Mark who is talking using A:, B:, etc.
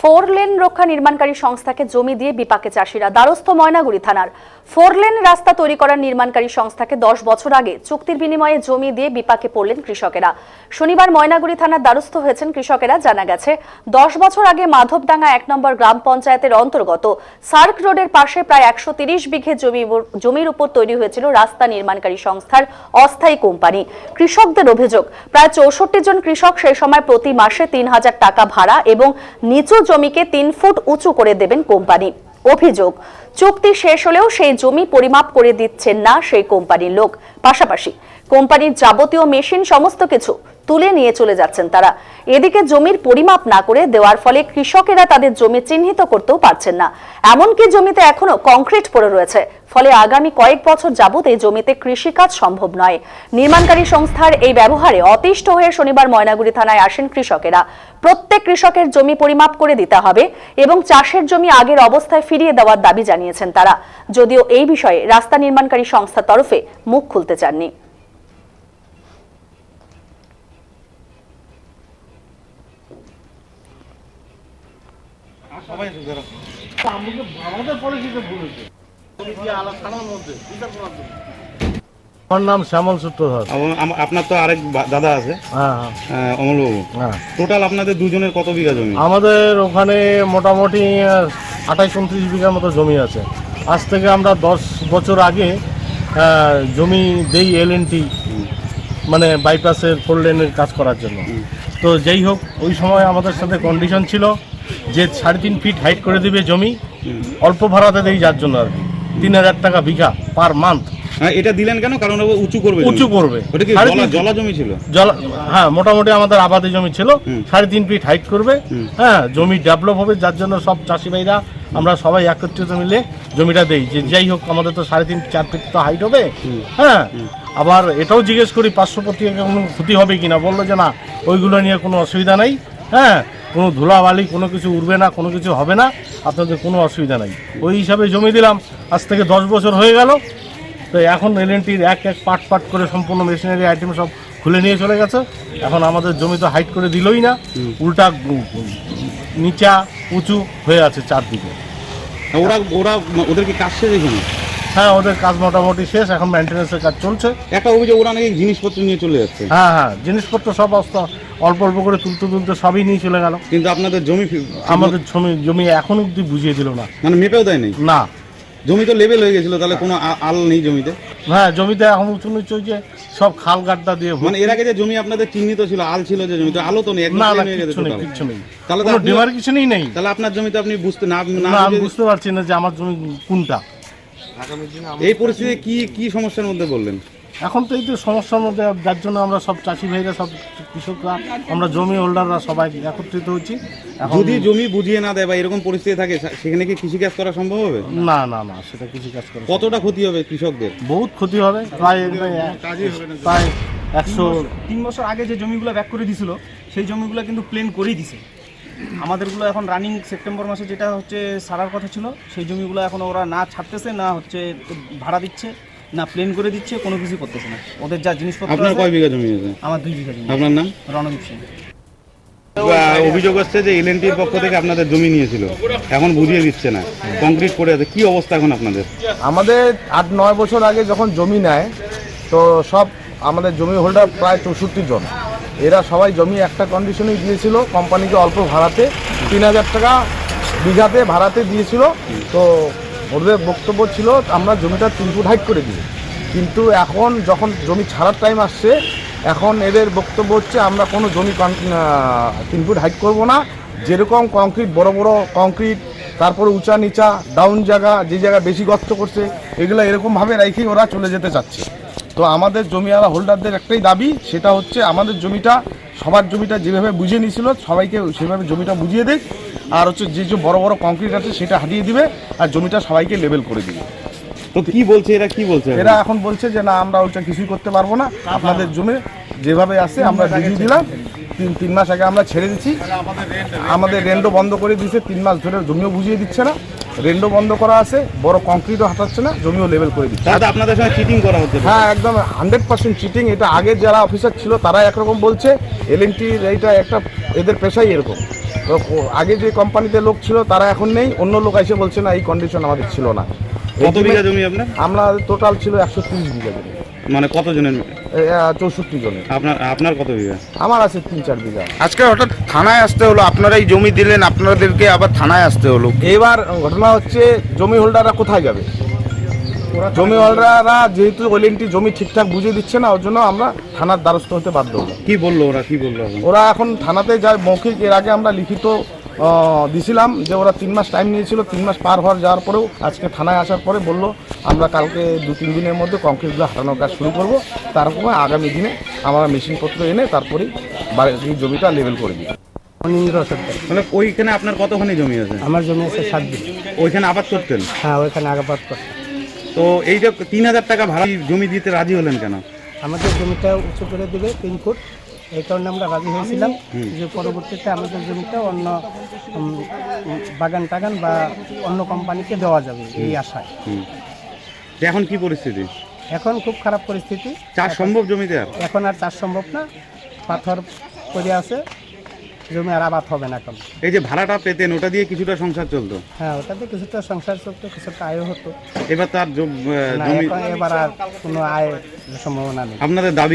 A: Four lane रक्षा निर्माणकारी संस्थाके जमी दिए विपाके चाषीरा द्वारस्थ Maynaguri थानार four lane रास्ता तैरी करार निर्माणकारी संस्थाके 10 बछर आगे चुक्तिर बिनिमये जमी दिए विपाके पड़लेन कृषकेरा। शनिवार मयनागुड़ी थानार द्वारस्थ हয়েছেন कृषकेरा। जाना गेছে 10 बछर आगे माधवडांगा 1 नम्बर ग्राम पंचायतेर अंतर्गत सार्क रोडের पाशे प्राय 130 बिघे जमिर उपर तैरी हয়েছিল रास्ता निर्माणकारी संस्थार अस्थायी कोम्पानी। कृषकদের অভিযোগ प्राय 64 जन कृषक সেই সময় প্রতি মাসে 3000 টাকা ভাড়া এবং নিচু জমিকে 3 ফুট উঁচু করে দেবেন কোম্পানি। অভিযোগ চুক্তি শেষ হলেও সেই জমি পরিমাপ করে দিচ্ছেন না সেই কোম্পানির লোক। পাশাপাশি কোম্পানির যাবতীয় মেশিন সমস্ত কিছু তুলে নিয়ে চলে যাচ্ছেন তারা। এদিকে জমির পরিমাপ না করে দেওয়ার ফলে কৃষকেরা তাদের জমি চিহ্নিত করতেও পারছেন না। এমনকি জমিতে এখনো কংক্রিট পড়ে রয়েছে, ফলে আগামী কয়েক বছর যাবত এই জমিতে কৃষিকাজ সম্ভব নয়। নির্মাণকারী সংস্থার এই ব্যবহারে অতিষ্ঠ হয়ে শনিবার ময়নাগুড়ি থানায় আসেন কৃষকেরা। প্রত্যেক কৃষকের জমি পরিমাপ করে দিতে হবে এবং চাষের জমি আগের অবস্থায় ফিরিয়ে দেওয়ার দাবি জানিয়েছেন তারা। যদিও এই বিষয়ে রাস্তা নির্মাণকারী সংস্থার তরফে মুখ খুলতে চাননি।
B: আমার নাম শ্যামল সূত্রধর।
C: আপনার তো আরেক দাদা আছে, অমলবাবু। টোটাল আপনাদের দুজনের কত বিঘা জমি?
B: আমাদের ওখানে মোটামুটি 28-29 বিঘার মতো জমি আছে। আজ থেকে আমরা 10 বছর আগে জমি দেই LNT মানে বাইপাসের 4 লেনের কাজ করার জন্য। তো যাই হোক, ওই সময় আমাদের সাথে কন্ডিশন ছিল যে 3.5 ফিট হাইট করে দিবে জমি, অল্প ভাড়াতে দেই, যার জন্য আর কি 3000 টাকা বিঘা পার মান্থ।
C: এটা দিলেন কেন? কারণ ও উঁচু করবে।
B: উঁচু করবে।
C: ওটা কি জলা জমি ছিল?
B: হ্যাঁ, মোটামুটি আমাদের আবাদি জমি ছিল। 3.5 ফিট হাইট করবে। হ্যাঁ, জমি ডেভেলপ হবে, যার জন্য সব চাষি ভাইরা আমরা সবাই একত্রিত মিলে জমিটা দেই যে যাই হোক আমাদের তো 3.5-4 ফিট তো হাইট হবে। হ্যাঁ, আবার এটাও জিজ্ঞেস করি 500 প্রতি একর কোনো ক্ষতি হবে কিনা। বললো যে না, ওইগুলো নিয়ে কোনো অসুবিধা নেই। হ্যাঁ, কোনো ধুলাবালি কোনো কিছু উঠবে না, কোনো কিছু হবে না, আপনাদের কোনো অসুবিধা নেই। ওই হিসাবে জমি দিলাম। আজ থেকে 10 বছর হয়ে গেল। তো এখন LNTর এক পাট করে সম্পূর্ণ মেশিনারি আইটেম সব খুলে নিয়ে চলে গেছে। এখন আমাদের জমি তো হাইট করে দিলই না, উল্টা নিচা উঁচু হয়ে আছে চারদিকে।
C: ওদের কি কাজ শেষ এখানে?
B: হ্যাঁ, ওদের কাজ মোটামুটি শেষ, এখন মেনটেন্যান্সের কাজ চলছে।
C: একটা অভিযোগ ওরা নাকি জিনিসপত্র নিয়ে চলে যাচ্ছে।
B: হ্যাঁ, জিনিসপত্র সব অল্প অল্প করে তুলতে সবই নিয়ে চলে গেল।
C: কিন্তু আপনাদের
B: আমাদের জমি এখন অব্দি বুঝিয়ে দিল না,
C: মানে মেপেও দেয় নাই? না, জমি তো লেভেল হয়ে গেছিল, তাহলে কোনো আল নেই জমিতে?
B: হ্যাঁ, জমিতে এখন উঁচু নিচু যে সব খাল গাড্ডা দিয়ে।
C: মানে এর আগে যে জমি আপনাদের চিহ্নিত ছিল, আল ছিল যে জমিতে, আলো তো নেই,
B: কিছু নেই। তাহলে তো ডিমার কিছু নেই।
C: তাহলে আপনার জমিতে আপনি
B: বুঝতে পারছি না যে আমার জমি কোনটা।
C: এই পরিস্থিতিতে কি সমস্যার মধ্যে বললেন?
B: এখন তো এই তো সমস্যার মধ্যে, যার জন্য আমরা সব চাষি ভাইরা, সব কৃষকরা, আমরা জমি হোল্ডাররা সবাই একত্রিত হচ্ছি।
C: যদি জমি বুঝিয়ে না দেয় বা এরকম পরিস্থিতি থাকে, সেখানে কি কৃষিকাজ করা সম্ভব হবে?
B: না, সেটা কৃষিকাজ করা।
C: কতটা ক্ষতি হবে কৃষকদের?
B: বহুত ক্ষতি হবে, প্রায়
D: 3 বছর আগে যে জমিগুলো ব্যাক করে দিয়েছিল সেই জমিগুলো কিন্তু প্লেন করেই দিছে। আমাদেরগুলো এখন রানিং সেপ্টেম্বর মাসে যেটা হচ্ছে সারার কথা ছিল, সেই জমিগুলো এখন ওরা না ছাড়তেছে, না হচ্ছে ভাড়া দিচ্ছে, না প্লেন করে দিচ্ছে, কোনো কিছু করতেছে না। ওদের যা জিনিসপত্র।
C: আপনার কয় বিঘা জমি আছে?
D: আমার 2 বিঘা জমি।
C: আপনার নাম?
D: রণদীপ সিং।
C: অভিযোগ হচ্ছে যে LNTর পক্ষ থেকে আপনাদের জমি নিয়েছিল, এখন বুঝিয়ে দিচ্ছে না, কংক্রিট পড়ে আছে। কি অবস্থা এখন আপনাদের?
E: আমাদের 8-9 বছর আগে যখন জমি নেয়, তো সব আমাদের জমি হোল্ডার প্রায় 64 জন, এরা সবাই জমি একটা কন্ডিশনেই দিয়েছিল কোম্পানিকে, অল্প ভাড়াতে 3000 টাকা বিঘাতে ভাড়াতে দিয়েছিল। তো ওদের বক্তব্য ছিল আমরা জমিটা 3 ফুট হাইট করে দিই। কিন্তু এখন যখন জমি ছাড়ার টাইম আসছে, এখন এদের বক্তব্য হচ্ছে আমরা কোনো জমি 3 ফুট হাইট করব না। যেরকম কংক্রিট, বড় বড় কংক্রিট, তারপরে উঁচা নিচা ডাউন জায়গা, যে জায়গা বেশি গর্ত করছে, এগুলো এরকমভাবে রেখেই ওরা চলে যেতে চাচ্ছে। তো আমাদের জমিওয়ালা হোল্ডারদের একটাই দাবি, সেটা হচ্ছে আমাদের জমিটা, সবার জমিটা যেভাবে বুঝিয়ে নিয়েছিল সবাইকে সেভাবে জমিটা বুঝিয়ে দেয়, আর হচ্ছে যে বড় বড় কংক্রিট আছে সেটা হাঁটিয়ে দিবে, আর জমিটা সবাইকে লেভেল করে দিবে।
C: তো কি বলছে এরা? কি বলছে
E: এরা? এখন বলছে যে না, আমরা ওইটা কিছুই করতে পারবো না, আপনাদের জমি যেভাবে আছে আমরা বুঝিয়ে দিলাম। 3 মাস আগে আমরা ছেড়ে দিচ্ছি, আমাদের রেন্টও বন্ধ করে দিয়েছে। 3 মাস ধরে জমিও বুঝিয়ে দিচ্ছে না, রেন্টও বন্ধ করা আছে, বড় কংক্রিটও হাঁটাচ্ছে না, জমিও লেভেল করে দিচ্ছে।
C: দাদা, আপনাদের সঙ্গে চিটিং করা হচ্ছে?
E: হ্যাঁ, একদম 100% চিটিং। এটা আগে যারা অফিসার ছিল তারা একরকম বলছে, LNTর এইটা একটা এদের পেশাই এরকম। তো আগে যে কোম্পানিতে লোক ছিল তারা এখন নেই, অন্য লোক এসে বলছে না এই কন্ডিশন আমাদের ছিল না।
C: কত বিঘা জমি আপনার?
E: আমরা টোটাল ছিল 130 বিঘা জমি,
C: মানে কতজনের?
E: 64 জনের।
C: আপনার কত বিঘা?
E: আমার আছে 3-4 বিঘা।
F: আজকে হঠাৎ থানায় আসতে হলো, আপনারা এই জমি দিলেন, আপনাদেরকে আবার থানায় আসতে হলো।
E: এবার ঘটনা হচ্ছে জমি হোল্ডাররা কোথায় যাবে? জমি হোল্ডাররা যেহেতু ওএলএনটি জমি ঠিকঠাক বুঝিয়ে দিচ্ছে না, ওর জন্য আমরা থানার দ্বারস্থ হতে বাধ্য হলাম।
C: কি বললো ওরা, কি বললো এখন?
E: ওরা এখন থানাতে যায় মৌখিক, এর আগে আমরা লিখিত দিছিলাম যে ওরা 3 মাস টাইম নিয়েছিল, 3 মাস পার হওয়ার যাওয়ার পরেও আজকে থানায় আসার পরে বললো আমরা কালকে 2-3 দিনের মধ্যে কংক্রিটগুলো হাঁটানোর কাজ শুরু করব, তারপরে আগামী দিনে আমরা মেশিনপত্র এনে তারপরেই বাড়ির জমিটা লেভেল করে দিই।
G: অনিন্দ্র সরকার।
C: মানে ওইখানে আপনার কতখানি জমি আছে?
G: আমার জমি আছে 7 বিঘা।
C: ওইখানে আবাদ করতেন?
G: হ্যাঁ, ওইখানে আগাবাদ করতে।
C: তো এই যে 3000 টাকা ভাড়া জমি দিতে রাজি হলেন কেন?
G: আমাদের জমিটা উঁচু করে দেবে 3 ফুট, এই কারণে আমরা রাজি হয়েছিলাম যে পরবর্তীতে আমাদের জমিটা অন্য বাগান টাগান বা অন্য কোম্পানিকে দেওয়া যাবে এই আশায়।
C: তো এখন কি পরিস্থিতি?
G: এখন খুব খারাপ পরিস্থিতি,
C: চাষ সম্ভব জমিতে আর?
G: এখন আর চাষ সম্ভব না, পাথর পড়ে আছে, জমি আর আবাদ হবে না এখন।
C: এই যে ভাড়াটা পেতেন ওটা দিয়ে কিছুটা সংসার চলতো?
G: হ্যাঁ, ওটাতে কিছুটা সংসার চলতো, কিছুটা আয় হতো।
C: এবার তার
G: না,
C: জমি
G: এবার আর কোনো আয়ের সম্ভাবনা নেই।
C: আপনাদের দাবি